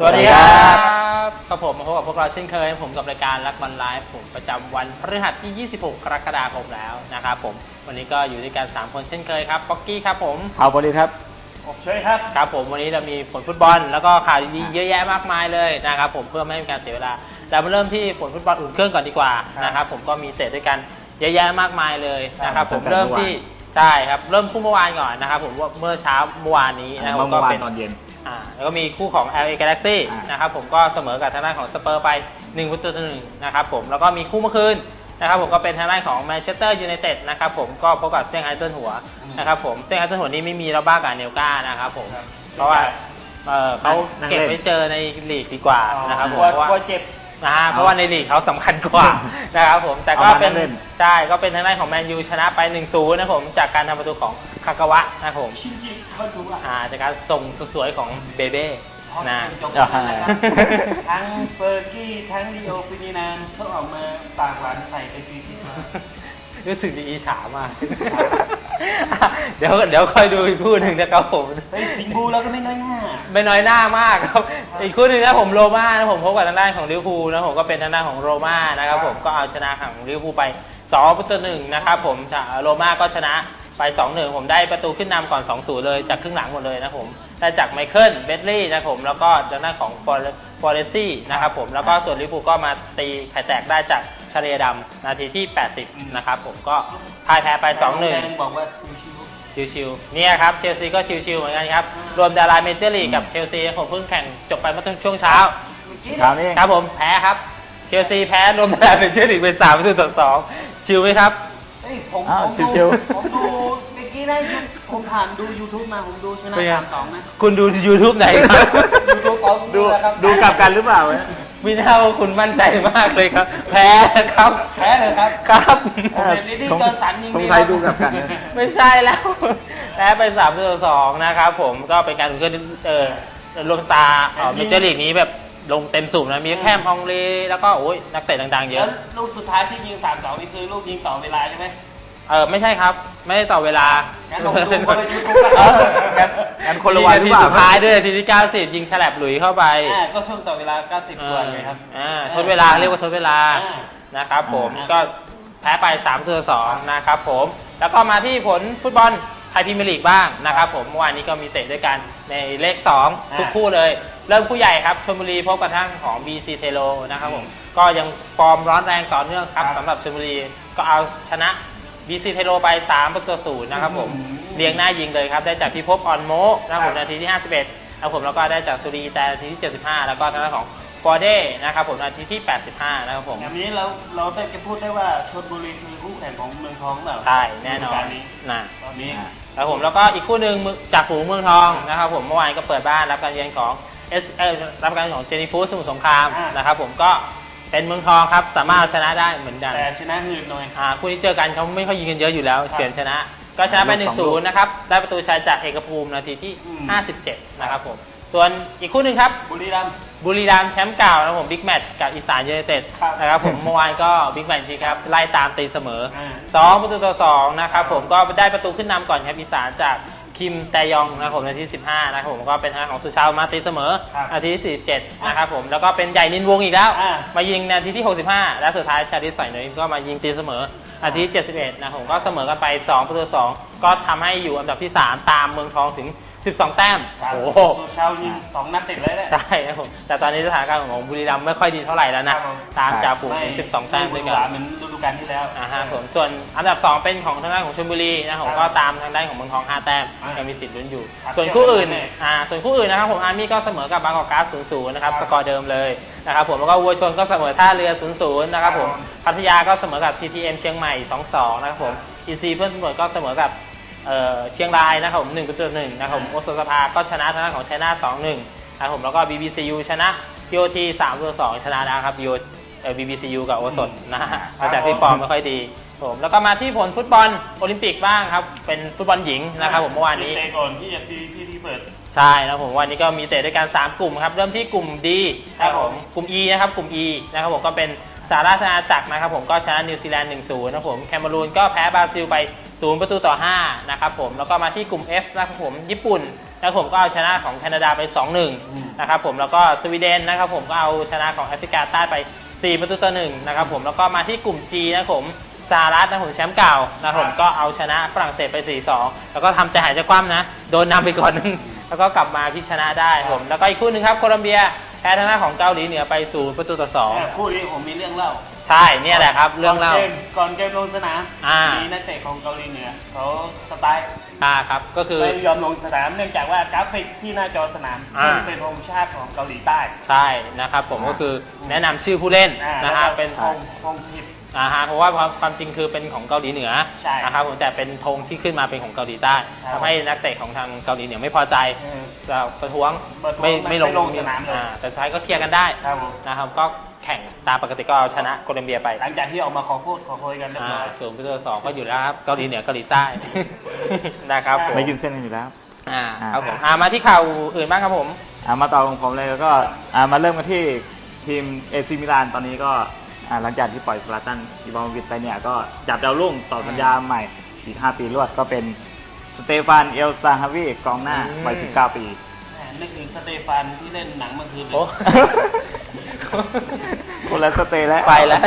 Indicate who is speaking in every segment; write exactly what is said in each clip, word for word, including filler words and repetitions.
Speaker 1: วัสดีครับกับผมมาพบกับพวกเราเช่นเคยผมกับรายการรักบอลไลฟ์ผมประจำวันพฤหัสที่ยี่สิบหกกรกฎาคมแล้วนะครับผมวันนี้ก็อยู่ด้วยกันสามคนเช่นเคยครับป๊อกกี้ครับผม
Speaker 2: เอาบอลครับ
Speaker 1: ผมช่วยครับครับผมวันนี้เรามีผลฟุตบอลแล้วก็ข่าวดีๆเยอะแยะมากมายเลยนะครับผมเพื่อไม่ให้การเสียเวลาเรามาเริ่มที่ผลฟุตบอลอุ่นเครื่องก่อนดีกว่านะครับผมก็มีเตะด้วยกันเยอะแยะมากมายเลยนะครับผมเริ่มที่ใช่ครับเริ่มคู่เมื่อวานก่อนนะครับผมว่าเมื่อเช้าเมื่อวานนี้นะครับ
Speaker 2: ก็เป็นตอนเย็น
Speaker 1: อ่าแล้วก็มีคู่ของ แอล เอ Galaxy นะครับผมก็เสมอกับทางด้านของสเปอร์ไปหนึ่งประตูต่อหนึ่งนะครับผมแล้วก็มีคู่เมื่อคืนนะครับผมก็เป็นทางด้านของแมนเชสเตอร์ยูไนเต็ดนะครับผมก็พบกับเซี่ยงไฮ้เจิ้นหัวนะครับผมเซี่ยงไฮ้เจิ้นหัวนี้ไม่มีเราบ้ากับเนลก้านะครับผมเพราะว่าเออเขาเก็บไว้เจอในลีกดีกว่านะครับผมเพราะว่าเจ็บนะเพราะว่าในลีกเขาสำคัญกว่านะครับผมแต่ก็เป็นใช่ก็เป็นทางด้านของแมนยูชนะไป หนึ่งศูนย์ นะผมจากการทำประตูของคากาวะนะครับผมอ่าจากการส่งสวยๆของเบเบ้นะ
Speaker 3: ทั้งเฟอร์กี้ทั้งลีโอฟินินานเขาออกมาปากหวานใส่ไปทีที่
Speaker 1: รู้สึกดีอิจฉามากเดี๋ยวเดี๋ยวค่อยดูอีกคู่หนึ่งนะครับผม
Speaker 3: เฮ้ยสิงบูแล้วก็ไม่น้อยหน้า
Speaker 1: ไม่น้อยหน้ามากครับอีกคู่หนึ่งนะผมโรม่านะผมพบกับทางด้านของลิเวอร์พูลนะผมก็เป็นทางด้านของโรม่านะครับผมก็เอาชนะของลิเวอร์พูลไปสองประตูต่อหนึ่งนะครับผมโรม่าก็ชนะไป สองหนึ่ง ผมได้ประตูขึ้นนำก่อน สองศูนย์ เลยจากครึ่งหลังหมดเลยนะผมได้จากไมเคิลเบดลี่นะครับผมแล้วก็ทางด้านของฟอเรซี่นะครับผมแล้วก็ส่วนลิเวอร์พูลก็มาตีไข่แตกได้จากชาเลียดำนาทีที่แปดสิบนะครับผมก็พ่ายแพ้ไป สองหนึ่ง
Speaker 3: บอกว่า
Speaker 1: ชิวๆเนี่ยครับเชลซีก็ชิวๆเหมือนกันครับรวมดาราเมเจอร์ลีกกับเชลซีผมเพิ่งแข่งจบไปเมื่อช่วงเช้าครับผมแพ้ครับเชลซีแพ้รวมดาราเมเจอร์ลีกเป็นสามประตูต่อสองชิวไหมครับ
Speaker 3: ผมดูผมดูเมื่อกี้ได้ผมผ่านดู YouTube มาผมดูชนะสามสองนะ
Speaker 1: คุณดู YouTube ไหนครับ
Speaker 3: YouTube ของ
Speaker 2: ดูดูกลับกันหรือเปล่า
Speaker 1: ไม่น่าว่าคุณมั่นใจมากเลยครับแพ้ครับ
Speaker 3: แพ้เลยครับ
Speaker 1: ครับ
Speaker 2: สงสัยดูกลับกัน
Speaker 1: ไม่ใช่แล้วแพ้ไปสามต่อสองนะครับผมก็เป็นการอุ่นเครื่องเออรวมตาเมเจอร์ลีกนี้แบบลงเต็มสูบนะมีแค่ฮองเลแล้วก็โอ้ยนักเตะดังๆเยอะ
Speaker 3: ลูกสุดท้ายที่ยิงสามสองนี่คือลูกยิงต่อเวลาใช่ไหม
Speaker 1: เออไม่ใช่ครับไม่ได้ต่อเวลา
Speaker 3: งั้นลงดูคนละยูทูบ
Speaker 2: งั้นคนละวันหรือเปล่า
Speaker 1: สุดท้ายด้วยทีที่เก้าสิบยิงฉลับหลุยเข้าไป
Speaker 3: อ่าก็ช่วงต่อเวลาเก้าสิบกว่าไงครับ
Speaker 1: อ่าทดเวลาเรียกว่าทดเวลานะครับผมก็แพ้ไปสามต่อสองนะครับผมแล้วก็มาที่ผลฟุตบอลไทยพรีเมียร์ลีกบ้างนะครับผมเมื่อวานนี้ก็มีเตะด้วยกันในเลขสองทุกคู่เลยเริ่มคู่ใหญ่ครับชลบุรีพบกับทางของ บี ซี เทโลนะครับผมก็ยังฟอร์มร้อนแรงต่อเนื่องครับสำหรับชลบุรีก็เอาชนะ บี ซี เทโลไปสามประตูต่อศูนย์นะครับผมเลี้ยงหน้ายิงเลยครับได้จากพิภพออนโมนะครับผมนาทีที่ห้าสิบเอ็ดนะครับผมแล้วก็ได้จากสุรีแต่นาทีที่เจ็ดสิบห้าแล้วก็ทางด้านของฟอร์เด้นะครับผมนาทีที่แปดสิบห้านะครับผม
Speaker 3: อย่างนี้เราเราได้จะพูดได้ว่าชลบุรีคือคู่แข่งของเมืองทองแบบ
Speaker 1: ใช่แน่นอน
Speaker 3: นะตอนนี้
Speaker 1: ครับผมแล้วก็อีกคู่หนึ่งจากฝูงเมืองทองนะครับผมเมื่อวานก็เปิดบ้านรับการเยือนของเอสเอรับการของเจนีฟูสมุทรสงครามนะครับผมก็เป็นเมืองทองครับสามารถชนะได้เหมือนกัน
Speaker 3: แต่ชนะหืนหน่อย
Speaker 1: อ่าคู่นี้เจอกันเขาไม่ค่อยยิงกันเยอะอยู่แล้วเปลี่ยนชนะก็ชนะไป หนึ่งศูนย์ นะครับได้ประตูชัยจากเอกภูมินาทีที่ห้าสิบเจ็ดนะครับผมส่วนอีกคู่หนึ่งครับ
Speaker 3: บุรีรัมย์
Speaker 1: บุรีรัมย์แชมป์เก่านะผมบิ๊กแมตช์กับอีสานยูไนเต็ดนะครับผมเมื่อวานก็บิ๊กแมตช์จริงครับไล่ตามตีเสมอสองประตูต่อสองนะครับผมก็ได้ประตูขึ้นนำก่อนครับอีสานจากคิมแตยองนะครับผมนาทีสิบห้านะครับผมก็เป็นทางของสุชาวมาตีเสมอนาทีที่สี่สิบเจ็ดนะครับผมแล้วก็เป็นใหญ่นินวงอีกแล้วมายิงนาทีที่หกสิบห้าและสุดท้ายชาดิสใส่หน่อยก็มายิงตีเสมอนาทีที่เจ็ดสิบเอ็ดนะผมก็เสมอกันไปสองประตูต่อสองก็ทำให้อยู่อันดับที่สามตามเมืองทองถึงสิบสองแต้ม
Speaker 3: โอ้โหชาวยิงสองนัดติดเลย
Speaker 1: ใช่ครับผมแต่ตอนนี้สถานการณ์ของบุรีรัมย์ไม่ค่อยดีเท่าไหร่แล้วนะตามจ่าฝูงถึงสิบสองแต้มด้วยกัน
Speaker 3: เหมือนฤดูกาลที่แล้ว
Speaker 1: อ่าฮะผมส่วนอันดับสองเป็นของทางด้านของชลบุรีนะผมก็ตามทางด้านของเมืองทองห้าแต้มยังมีสิทธิ์ลุ้นอยู่ส่วนคู่อื่นอ่าส่วนคู่อื่นนะครับผมอาร์มี่ก็เสมอกับบางกอกก๊าซ ศูนย์ศูนย์ นะครับสกอร์เดิมเลยนะครับผมแล้วก็วัวชนก็เสมอท่าเรือ ศูนย์ศูนย์ นะครับผมพัทยาก็เสมอกับ ที ที เอ็ม เชียงใหม่ สองสอง นะครับผม อี ซี เพื่อนสมุทรก็เสมอกับเชียงรายนะครับผมหนึ่งประตูต่อหนึ่งนะครับผมโอสถสภาก็ชนะทางด้านของชัยนาท สองหนึ่ง นะครับผมแล้วก็ บี บี ซี ยู ชนะ ที โอ ที สามประตูต่อสองชนะนะครับ บี บี บี ซี ยู กับโอสถนะหลังจากที่ฟอร์มไม่ค่อยดีผมแล้วก็มาที่ผลฟุตบอลโอลิมปิกบ้างครับเป็นฟุตบอลหญิงนะครับผมเมื่อวานนี้
Speaker 3: เตะก่อนที่จะที่ที่เปิด
Speaker 1: ใช่นะผมวันนี้ก็มีเตะด้วยกันสามกลุ่มครับเริ่มที่กลุ่ม D นะครับผมกลุ่ม E นะครับกลุ่ม E นะครับผมก็เป็นสหราชอาณาจักรนะครับผมก็ชนะนิวซีแลนด์ หนึ่งศูนย์ นะครับผมแคเมรูนก็แพ้บราซิลไปศูนย์ประตูต่อห้านะครับผมแล้วก็มาที่กลุ่ม F นะครับผมญี่ปุ่นนะครับผมก็เอาชนะของแคนาดาไป สองหนึ่ง นะครับผมแล้วก็สวีเดนนะครับผมก็เอาชนะของแอฟริกาใต้ไปสี่ประตูต่อหนึ่งนะครับผมแล้วก็มาที่กลุ่ม G นะครับผมสหรัฐนะครับผมแชมป์เก่านะครับผมก็เอาชนะฝรั่งเศสไป สี่สอง แล้วก็ทำใจหายใจคว่ำนะโดนนำไปก่อนนึงแล้วก็กลับมาพลิกชนะได้ผมแล้วก็อีกคู่หนึ่งครับโคลอมเบียแพ้ทางด้านของเกาหลีเหนือไปศูนย์ประตูต่อสอง
Speaker 3: คู่นี้ผมมีเรื่องเล่า
Speaker 1: ใช่เนี่ยแหละครับเรื่องเล่า
Speaker 3: ก่นกมก่อนเกมลงสนาม
Speaker 1: อ่ามี
Speaker 3: มีนักเตะของเกาหลีเหนือเขาสไตล์
Speaker 1: อ่าครับก็คือ
Speaker 3: ไม่ยอมลงสนามเนื่องจากว่ากราฟิกที่หน้าจอสนาม
Speaker 1: อ่า
Speaker 3: เป็นธงชาติของเกาหลีใต้
Speaker 1: ใช่นะครับผมก็คือแนะนำชื่อผู้เล่น
Speaker 3: อ่า
Speaker 1: นะฮะเป็น
Speaker 3: ธงธงผิด
Speaker 1: อ่าฮะเพราะว่าความความจริงคือเป็นของเกาหลีเหนือ
Speaker 3: ใช่
Speaker 1: นะครับผมแต่เป็นธงที่ขึ้นมาเป็นของเกาหลีใต้
Speaker 3: ครับ
Speaker 1: ทำให้นักเตะของทางเกาหลีเหนือไม่พอใจ
Speaker 3: เออ
Speaker 1: จะประท้วง
Speaker 3: ประท้วง
Speaker 1: ไม่ไม่ลง
Speaker 3: ไม่ลงสนามเลย
Speaker 1: อ่แต่สุดท้ายก็เคลียร์กันได้
Speaker 3: ครับผม
Speaker 1: นะครับก็แข่งตามปกติก็เอาชนะโคลอมเบียไป
Speaker 3: หลังจากที่ออกมาขอโทษขอโพยกันเรียบ
Speaker 1: อ่า
Speaker 3: ร้อย
Speaker 1: ส่วนประตูสองก็อยู่แล้วครับเกาหลีเหนือเกาหลีใต้ นะครับผม
Speaker 2: ไม่ยืนเส้นกันอยู่แล้ว
Speaker 1: อ่า
Speaker 2: อ่า
Speaker 1: ครับผมอ่ามาที่ข่าวอื่นบ้างครับผม
Speaker 2: อ่ามาต่อของผมเลยแล้วก็อ่ามาเริ่มกันที่ทีมเอซีมิลานตอนนี้ก็อ่าหลังจากที่ปล่อยซลาตันอิบราฮิโมวิชไปเนี่ยก็จับดาวรุ่งต่อสัญญาใหม่อีกห้าปีรวดก็เป็นสเตฟานเอลซาฮาวีกองหน้าวัยสิบเก้าปี
Speaker 3: แหมนึกถึงสเตฟานที่เล่นหนังเมื่อคืนเลย
Speaker 1: โอ้
Speaker 2: คนละสเตแล้ว
Speaker 1: ไปแล้ว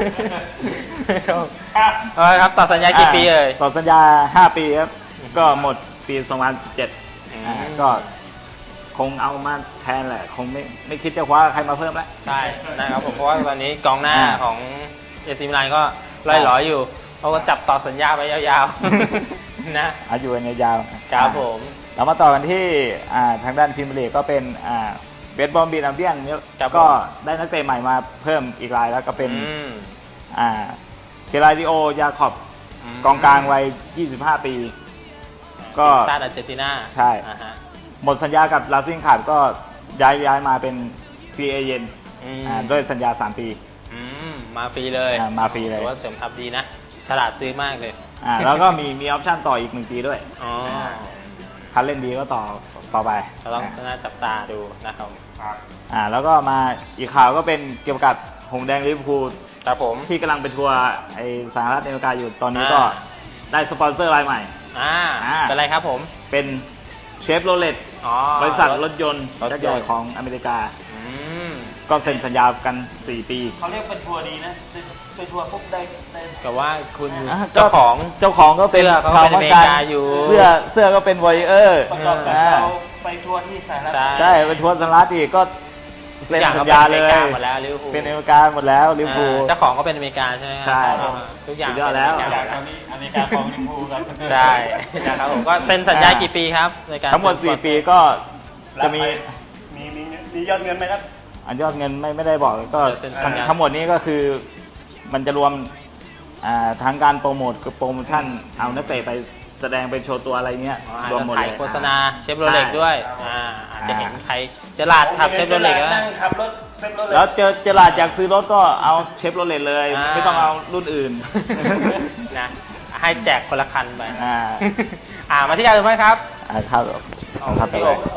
Speaker 3: ครับ
Speaker 1: เอาละครับต่อสัญญากี่ปีเอ่ย
Speaker 2: ต่อสัญญาห้าปีครับก็หมดปีสองพันสิบเจ็ด
Speaker 1: อืม
Speaker 2: อ่าก็คงเอามาแทนแหละ คงไม่ไม่คิดจะคว้าใครมาเพิ่มแล้ว
Speaker 1: ใช่นะครับผมเพราะว่าตอนนี้กองหน้า
Speaker 2: อ่า
Speaker 1: ของเอซิมิลานก็ไล่หลอยอยู่เขาก็จับต่อสัญญาไปยาวๆ นะ
Speaker 2: อายุกันยาวๆ
Speaker 1: ครับผม
Speaker 2: เรามาต่อกันที่อ่าทางด้านพรีเมียร์ลีกก็เป็นอ่าเบสบอลบีนอัมเบียนเนี่ย
Speaker 1: ครับผม
Speaker 2: ก็ได้นักเตะใหม่มาเพิ่มอีกรายแล้วก็เป็น
Speaker 1: อืม
Speaker 2: อ่าเคลาดิโอยาคอบ
Speaker 1: ม
Speaker 2: กองกลางวัยยี่สิบห้าปี ก็
Speaker 1: ชาติอาร์เจนตินา
Speaker 2: ใช่
Speaker 1: อ่าฮะ
Speaker 2: หมดสัญญากับลาซิงขาดก็ย้ายย้ายมาเป็นฟรีเอเจนต์
Speaker 1: อืม
Speaker 2: อ่าด้วยสัญญาสามปี
Speaker 1: อืมมาฟรีเลย
Speaker 2: อ่ามาฟรีเลย
Speaker 1: ถือว่าเสริมทัพดีนะ ฉลาดซื้อมากเลย
Speaker 2: อ่าแล้วก็มีมีออปชั่นต่ออีกหนึ่งปีด้วย
Speaker 1: อ๋อ
Speaker 2: คันเล่นดีก็ต่อต่อไป
Speaker 1: เราต้องน่าจับตาดูนะครับ
Speaker 2: อ่าแล้วก็มาอีกข่าวก็เป็นเกี่ยวกับหงส์แดงลิเวอร์พูล
Speaker 1: ครับผม
Speaker 2: ที่กำลังไปทัวร์ไอสหรัฐอเมริกาอยู่ตอนนี้ก็
Speaker 1: อ่า
Speaker 2: ได้สปอนเซอร์รายใหม่
Speaker 1: อ่า
Speaker 2: อ่า
Speaker 1: เป็นไรครับผม
Speaker 2: เป็นเชฟโรเลต
Speaker 1: อ๋อบ
Speaker 2: ริษัทรถยนต์
Speaker 1: รถยนต์
Speaker 2: ยักษ์ใหญ่ของอเมริกา
Speaker 1: อืม
Speaker 2: ก็เซ็นสัญญากันสี่ปี
Speaker 3: เขาเรียกเป็นทัวร์ดีนะไปทัวร์ปุ๊บได้ได้
Speaker 1: แต่ว่าคุณ
Speaker 2: อ่ะ
Speaker 1: เจ้าของ
Speaker 2: เจ้าของก็เป็น
Speaker 1: เสื้อเขา
Speaker 2: ชาว
Speaker 1: เป็นอ
Speaker 2: มั
Speaker 1: เม
Speaker 2: ก
Speaker 1: ริ
Speaker 2: การ
Speaker 1: กาอยู่
Speaker 2: เสื้อเสื้อก็เป็นวอยเออร์
Speaker 3: ประกอบกับ
Speaker 2: อ่า
Speaker 3: เราไปทัวร์ที่สหรัฐ
Speaker 1: ใช่
Speaker 2: ใช่ไปทัวร์สหรัฐอีกก็
Speaker 1: ทุ
Speaker 2: เซ็
Speaker 1: ก
Speaker 2: น
Speaker 1: อย่าง
Speaker 2: สั
Speaker 1: เขา
Speaker 2: ญ
Speaker 1: เป็น
Speaker 2: ญา
Speaker 1: อเม
Speaker 2: เล
Speaker 1: ริ
Speaker 2: ย
Speaker 1: กาหมดแล้วลิเวอร์พูล
Speaker 2: เป็นอเมริกาหมดแล้วลิเวอร์พูล
Speaker 1: อ่าเจ้าของก็เป็นอเมริกาใช่ไหมครั
Speaker 2: ใช่
Speaker 1: ทุกอย่าง
Speaker 2: สุดยอดแล้ว
Speaker 1: เป็นอเม
Speaker 3: จาก
Speaker 1: ริกา
Speaker 3: ตอนนี้อเมริกาของลิเวอร์พูลครับ
Speaker 1: ใช่นะครับผมก็เป็นสัญญากี่ปีครับในการ
Speaker 2: ทั้งหมดสี่ปีก็จะมี
Speaker 3: มีมีมียอดเงินไหมครับ
Speaker 2: อันยอดเงินไม่ไม่ได้บอกก็
Speaker 1: เป็น
Speaker 2: ทั้
Speaker 1: สั
Speaker 2: ง
Speaker 1: ญญา
Speaker 2: ทั้งหมดนี้ก็คือมันจะรวมอ่าทั้งการโปรโมทคือโปรโมชั่นเอานักเตะไปแสดงไปโชว์ตัวอะไรเงี้ย
Speaker 1: อ๋ออาจ
Speaker 2: รวม
Speaker 1: จะ
Speaker 2: หมด
Speaker 1: ถ่าย
Speaker 2: เลย
Speaker 1: โฆษณาเชฟโรเล็ก
Speaker 2: ใช่
Speaker 1: ด้วยอ่าอาจจะ
Speaker 2: อ่า
Speaker 1: เห็นใครเจลาดขับเชฟโรเล็กแล้ว
Speaker 3: นั่งขับรถเชฟโรเล็ก
Speaker 2: แล้วเจอเจอหลาดอยากซื้อรถก็เอาเชฟโรเลตเลย
Speaker 1: อ่า
Speaker 2: ไม่ต้องเอารุ่นอื่น
Speaker 1: นะให้แจกคนละคันไป
Speaker 2: อ่า
Speaker 1: อ่ามาที่การดูไหมครับ
Speaker 2: อ่าครับ
Speaker 1: เอา
Speaker 2: ครับ
Speaker 1: พี่
Speaker 2: ไป
Speaker 1: โอ
Speaker 2: เลย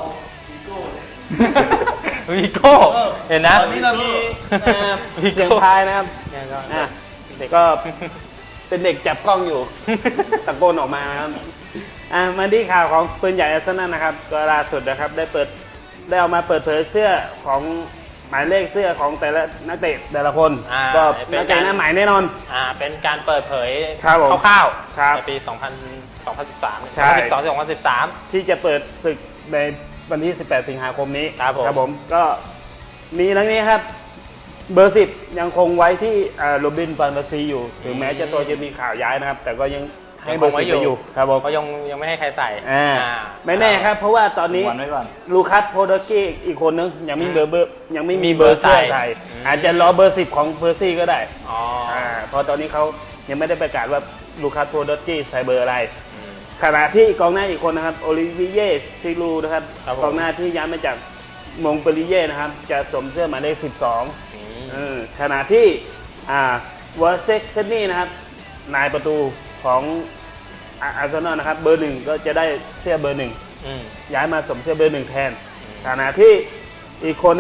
Speaker 1: วีโก้เห็นนะ
Speaker 3: ตอนนี้เรามีเอ่อ
Speaker 1: วี
Speaker 3: เสียง
Speaker 1: โก้
Speaker 3: พายนะครับ
Speaker 1: เนี่ยก็
Speaker 3: อ่ะเด็กก็เป็นเด็กจับกล้องอยู่ ตะโกนออกมานะครับอ่ะมาที่ข่าวของปืนใหญ่อาร์เซนอลนะครับก็ล่าสุดนะครับได้เปิดได้เอามาเปิดเผยเสื้อของหมายเลขเสื้อของแต่ละนักเตะแต่ละคน
Speaker 1: อ่า
Speaker 3: ก็
Speaker 1: เป็น
Speaker 3: นักเตะ
Speaker 1: การ
Speaker 3: หน้าใหม่แน่นอน
Speaker 1: อ่าเป็นการเปิดเผย
Speaker 3: ครับผม
Speaker 1: คร่าว
Speaker 3: ครับ
Speaker 1: ๆในปี สองพัน สองพันสิบสาม
Speaker 3: ใช่
Speaker 1: สองพันสิบสอง สองพันสิบสาม
Speaker 3: ที่จะเปิดศึกในวันที่ สิบแปด สิงหาคมนี้
Speaker 1: ครับผม
Speaker 3: ผมก็มีทั้งนี้ครับ เบอร์สิบยังคงไว้ที่โรบินฟานตาซีอยู่ ถึงแม้จะตัวจะมีข่าวย้ายนะครับ แต่ก็ยังให้เบอร์สิบไปอยู่ครับผม
Speaker 1: ก็ยังยังไม่ให้ใครใส่
Speaker 3: อ่า
Speaker 1: อ่า
Speaker 3: ไม่แน่ครับ เพราะว่าตอนนี้
Speaker 2: วันไว้ก่อน
Speaker 3: ลูคัสโพโดกี้อีกคนนึงยังไม่มีเบอร์เบอร์ยังไม่
Speaker 1: มี
Speaker 3: มี
Speaker 1: เบ
Speaker 3: เบ
Speaker 1: อ
Speaker 3: อ
Speaker 1: ร์
Speaker 3: ร์เสื้อ
Speaker 1: ใส่
Speaker 3: ใส่
Speaker 1: อืม
Speaker 3: อาจจะรอเบอร์สิบของเพอร์ซี่ก็ได้
Speaker 1: อ๋ออ
Speaker 3: อ่าเพราะตอนนี้เขายังไม่ได้ประกาศว่าลูคัสโพโดกี้ใส่เบอร์อะไร
Speaker 1: อืม
Speaker 3: ขณะที่กองหน้าอีกคนนะครับโอลิเวียซิลูนะครับ
Speaker 1: ครับผม
Speaker 3: กองหน้าที่ย้ายมาจากมงเปรีเย่นะครับ จะสวมเสื้อหมายเลขสิบสอง
Speaker 1: อืม
Speaker 3: เออขณะที่อ่าวอร์เซ็กเซนนี่นะครับนายประตูของอาร์เซนอลนะครับ เบอร์หนึ่งก็จะได้เสื้อเบอร์หนึ่ง
Speaker 1: อืม
Speaker 3: ย้ายมาสวมเสื้อเบอร์หนึ่งแทนขณะที่อีกคนนะครับ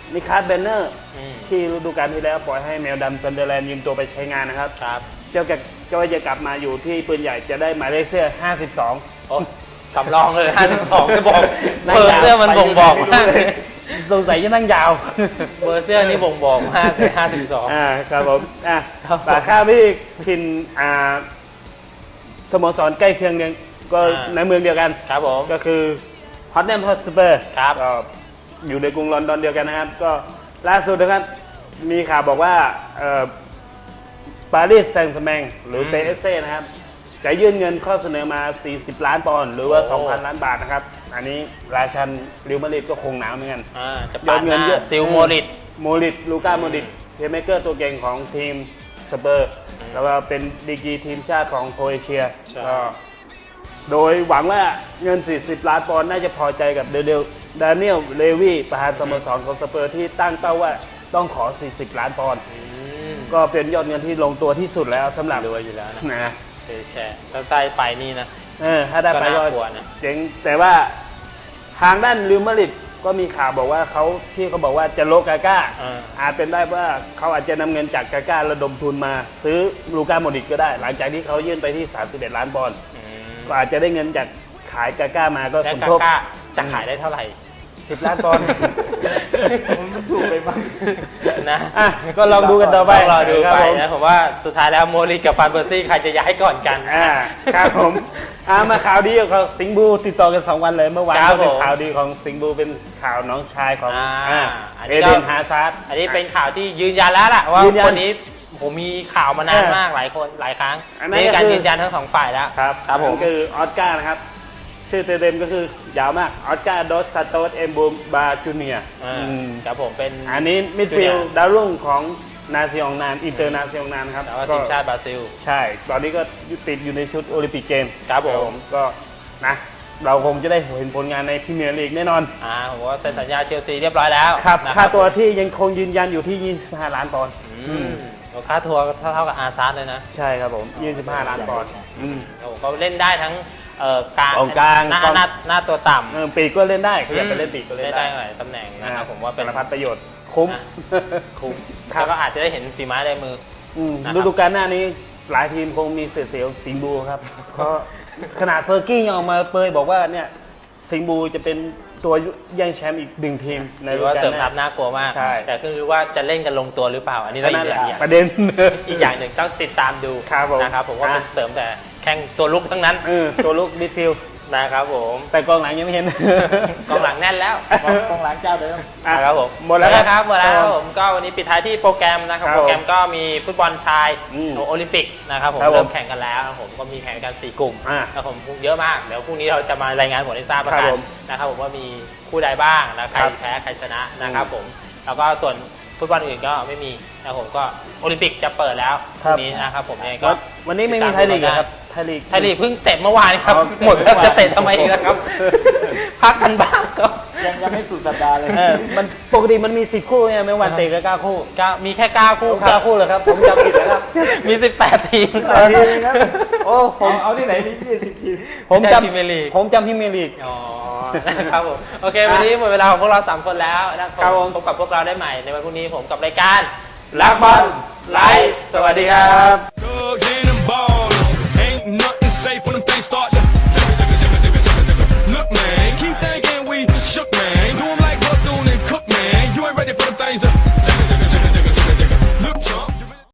Speaker 3: นิคาร์เบนเนอร์
Speaker 1: อืม
Speaker 3: ที่ฤดูกาลที่แล้วปล่อยให้แมวดำซันเดอร์แลนด์ยืมตัวไปใช้งานนะครับ
Speaker 1: ครับ
Speaker 3: เจ้าจะก็จะกลับมาอยู่ที่ปืนใหญ่จะได้หมายเลขเสื้อห้าสิบสอง
Speaker 1: โอ้สำรองเลยห้าสิบสองจะบอกเบอร์เสื้อมันบ่งบอกมากเลย
Speaker 3: สงสัยจะนั่งยาว
Speaker 1: เบอร์เสื้อนี่บ่งบอกมากเลยห้าสิบสอง
Speaker 3: อ่าครับผมอ่ะ
Speaker 1: ครับผม
Speaker 3: ปากข้าวพี่พินอ่าสโมสรใกล้เคียงเนี่ยก็
Speaker 1: อ่า
Speaker 3: ในเมืองเดียวกัน
Speaker 1: ครับผม
Speaker 3: ก็คือฮอตแนมฮอตสเปอร์
Speaker 1: ครับ
Speaker 3: ก็อยู่ในกรุงลอนดอนเดียวกันนะครับ ก็ล่าสุดนะครับมีข่าวบอกว่าเอ่อปารีสแซงต์แชร์แมงหรือ
Speaker 1: อืม
Speaker 3: เปเอสเซ่นะครับจะยื่นเงินข้อเสนอมา สี่สิบ ล้านปอนด์หรือว่า
Speaker 1: โอ้
Speaker 3: สองพัน ล้านบาทนะครับ อันนี้ราชันริวมาดริดก็คงหนาวเหมือนกัน
Speaker 1: อ่าจะ
Speaker 3: ย
Speaker 1: ปา
Speaker 3: อ
Speaker 1: ด
Speaker 3: ด
Speaker 1: ห
Speaker 3: เงิน
Speaker 1: น้า
Speaker 3: เยอะ
Speaker 1: ซิลโมริต
Speaker 3: โมริตลูก้า
Speaker 1: อืม
Speaker 3: โมริตเพลย์เมเกอร์ตัวเก่งของทีมสเปอร์ แล้วก็เป็นดีกรีทีมชาติของโครเอเชีย
Speaker 1: ใช่
Speaker 3: ก็โดยหวังว่าเงิน สี่สิบ ล้านปอนด์น่าจะพอใจกับเดเดลดานิเอลเลวีประธานสโมสรของสเปอร์ที่ตั้งเป้าว่าต้องขอ สี่สิบ ล้านปอนด์
Speaker 1: อืม
Speaker 3: ก็เป็นยอดเงินที่ลงตัวที่สุดแล้วสำหรับ
Speaker 1: รวยอยู่แล้วนะ
Speaker 3: นะ
Speaker 1: เฉยแช่ถ้าได้ไปนี่นะ
Speaker 3: เออถ้าได้ไป
Speaker 1: ก็
Speaker 3: ก็
Speaker 1: น่ากลัวนะ
Speaker 3: เจ๋งแต่ว่าทางด้านริวมาดริดก็มีข่าวบอกว่าเขาที่เขาบอกว่าจะโลกาก้า
Speaker 1: อ่า
Speaker 3: อาจเป็นได้ว่าเขาอาจจะนำเงินจากกาก้าระดมทุนมา ซื้อลูก้าโมดริตก็ได้ หลังจากที่เขายื่นไปที่ สามสิบเอ็ด ล้านปอนด์
Speaker 1: อืม
Speaker 3: ก็อาจจะได้เงินจากขายกาก้ามาก็
Speaker 1: แล้ว
Speaker 3: สม
Speaker 1: กา
Speaker 3: ทบ
Speaker 1: ก้าจะขายได้เท่าไหร่
Speaker 3: สิบ ล้านปอนด์
Speaker 2: มันถูกไปบ้าง
Speaker 1: นะ
Speaker 3: อ่ะก็ลองดูกันต่อไป
Speaker 1: ต้องรอดู
Speaker 3: ครับ
Speaker 1: ไป
Speaker 3: ผม
Speaker 1: นะผมว่าสุดท้ายแล้วโมริกับฟานเบอร์ซี่ใครจะย้ายก่อนกัน
Speaker 3: อ่าครับผมอ่ามาข่าวดีของสิงห์บูติดต่อกันสองวันเลยเมื่อวาน
Speaker 1: ครับ
Speaker 3: ก็เป็น
Speaker 1: ผม
Speaker 3: ข่าวดีของสิงห์บูเป็นข่าวน้องชายของ
Speaker 1: อ่า
Speaker 3: อ่า
Speaker 1: อัน
Speaker 3: เอ
Speaker 1: นี้ก็
Speaker 3: เดนฮาซาร์ด
Speaker 1: อันนี้เป็นข่าวที่ยืนยันแล้วล่ะว่า
Speaker 3: ยืนยัน
Speaker 1: คนนี้ผมมีข่าวมานาน
Speaker 3: เออ
Speaker 1: มากหลายคนหลายครั้ง
Speaker 3: อันนั้น
Speaker 1: นี่การ
Speaker 3: ก็คือ
Speaker 1: ยืนยันทั้งสองฝ่ายแล้ว
Speaker 3: ครับ
Speaker 1: ครับผม
Speaker 3: นั่นคือออสการ์นะครับ ชื่อเต็มๆก็คือยาวมากออสการ์ดอสซาโตสเอมบูมบาจูเนีย
Speaker 1: อ่าครับผมเป็น
Speaker 3: อันนี้มิดฟิลด์ดาวรุ่งของนาซิองนานอินเตอร์นาซิองนานครับ
Speaker 1: แต่ว่าทีมชาติบราซิล
Speaker 3: ใช่ ตอนนี้ก็ติดอยู่ในชุดโอลิมปิกเกม
Speaker 1: ครับผม
Speaker 3: ก็นะ เราคงจะได้เห็นผลงานในพรีเมียร์ลีกแน่นอน
Speaker 1: อ่าผมว่าเซ็นสัญญาเชลซีเรียบร้อยแล้ว
Speaker 3: ครับ
Speaker 1: นะ
Speaker 3: ค่าตัวที่ยังคงยืนยันอยู่ที่ ยี่สิบห้า ล้านปอนด์
Speaker 1: อืมค่าทัวร์เท่าเท่ากับอาร์ซาร์เลยนะ
Speaker 3: ใช่ครับผม ยี่สิบห้า ล้านปอนด์อืม
Speaker 1: โอ้โหเขาเล่นได้ทั้งเอ่อกลาง
Speaker 3: กองกลาง
Speaker 1: หน้าก
Speaker 3: อง
Speaker 1: หน้าหน้าตัวต่ำ
Speaker 3: เออปีกก็เล่นได้ขยับไปเล่นปีกก็เล่น
Speaker 1: ได้
Speaker 3: ได้
Speaker 1: หลายตำแหน่งนะครับผมว่าเป็น
Speaker 3: สารพัดประโยชน์คุ้ม
Speaker 1: อ่ะคุ้ม
Speaker 3: ครับ
Speaker 1: แล้วก็อาจจะได้เห็นฝีไม้ลายมือ
Speaker 3: อืม
Speaker 1: นะครับ
Speaker 3: ฤดูกาลหน้านี้หลายทีมคงมีเสียเสียวสิงห์บูครับ เพราะขนาดเฟอร์กี้ยังออกมาเปยบอกว่าเนี่ยสิงห์บูจะเป็นตัวแย่งแชมป์อีกหนึ่งทีมใน
Speaker 1: หรื
Speaker 3: ฤ
Speaker 1: อ
Speaker 3: ดู
Speaker 1: ว่า
Speaker 3: กาล
Speaker 1: เสริม
Speaker 3: ห
Speaker 1: ทั
Speaker 3: น้า
Speaker 1: พน่ากลัวมาก
Speaker 3: ใช่
Speaker 1: แต่คือว่าจะเล่นกันลงตัวหรือเปล่า อันนี้เรา
Speaker 3: นั่น
Speaker 1: อี
Speaker 3: แห
Speaker 1: ก
Speaker 3: ละ
Speaker 1: อย่าง
Speaker 3: ประเด็น
Speaker 1: อีกอย่างหนึ่งต้องติดตามดู
Speaker 3: ครับผม
Speaker 1: นะครับผมว่า
Speaker 3: อ่ะ
Speaker 1: เป็นเสริมแต่แข่งตัวลุกทั้งนั้น
Speaker 3: เออตัวลุกมิดฟิลด์
Speaker 1: นะครับผม
Speaker 3: แต่กองหลังยังไม่เห็น
Speaker 1: กองหลังแน่นแล้ว
Speaker 2: กองหลังเจ้าเดิม
Speaker 3: อ่ะ
Speaker 1: ครับผม
Speaker 3: หมดแล้ว
Speaker 1: ครับหมดแล้ว
Speaker 3: ค
Speaker 1: ค
Speaker 3: รั
Speaker 1: รั
Speaker 3: บบ
Speaker 1: ผมก็วันนี้ปิดท้ายที่โปรแกรมนะครับ
Speaker 3: ครับ
Speaker 1: โปรแกรมก็มีฟุตบอลชาย
Speaker 3: อืม
Speaker 1: โอลิมปิกนะครับผม
Speaker 3: ครับผม
Speaker 1: เริ่มแข่งกันแล้วนะครับผมก็มีแข่งกันสี่กลุ่ม
Speaker 3: อ่า
Speaker 1: นะครับผมเยอะมากเดี๋ยวพรุ่งนี้เราจะมารายงานผลให้ทราบประ
Speaker 3: ครั
Speaker 1: กับ น
Speaker 3: ผม
Speaker 1: นะครับผมว่ามีคู่ใดบ้างนะใคร
Speaker 3: ครับ
Speaker 1: แพ้ใครชนะนะครับผมแล้วก็ส่วนฟุตบอลอื่นก็ไม่มีนะครับผมก็โอลิมปิกจะเปิดแล้วพ
Speaker 3: ครั
Speaker 1: รุ่
Speaker 3: บ
Speaker 1: งนี้นะครับผมยังไงก็
Speaker 3: วันวันนี้ไม่มีไทยลีกเหรอครับไทยลีก
Speaker 1: ไทยลีกเพิ่งเตะเมื่อวานครับ
Speaker 3: อ๋อ
Speaker 1: หมดแล้ว
Speaker 3: เตะเมื่อวาน
Speaker 1: จะเตะทำไมอีกแล้วครับ พักกันบ้างครับ
Speaker 2: ยังยังไม่สุดสัปดาห์เลย
Speaker 3: เออมันปกติมันมีสิบคู่ไงไม่วันเตะก็เก้าคู่
Speaker 1: ก็มีแค่เก้าคู่ค
Speaker 3: เก้า
Speaker 1: รับ
Speaker 3: คู่เลยครับ ผมจำผิดแล้วครับ
Speaker 1: มีสิบแปดทีม
Speaker 3: เออทีมครับโอ้ผ
Speaker 2: ผม มเอาที่ไหนมียี่สิบทีม
Speaker 3: ผม
Speaker 1: ได้
Speaker 3: จำ
Speaker 1: พรีเมียร์ลีก
Speaker 3: ผมจำพรีเมียร์ลีก
Speaker 1: อ๋อนะครับผมโอเควันนี้หมดเวลาของพวกเราสามคนแล้วนะค
Speaker 3: ครั
Speaker 1: รับบ
Speaker 3: ผม
Speaker 1: พบกับพวกเราได้ใหม่ในวันพรุ่งนี้ผมกับรายการรักบอลไลฟ์สวัสดีครับ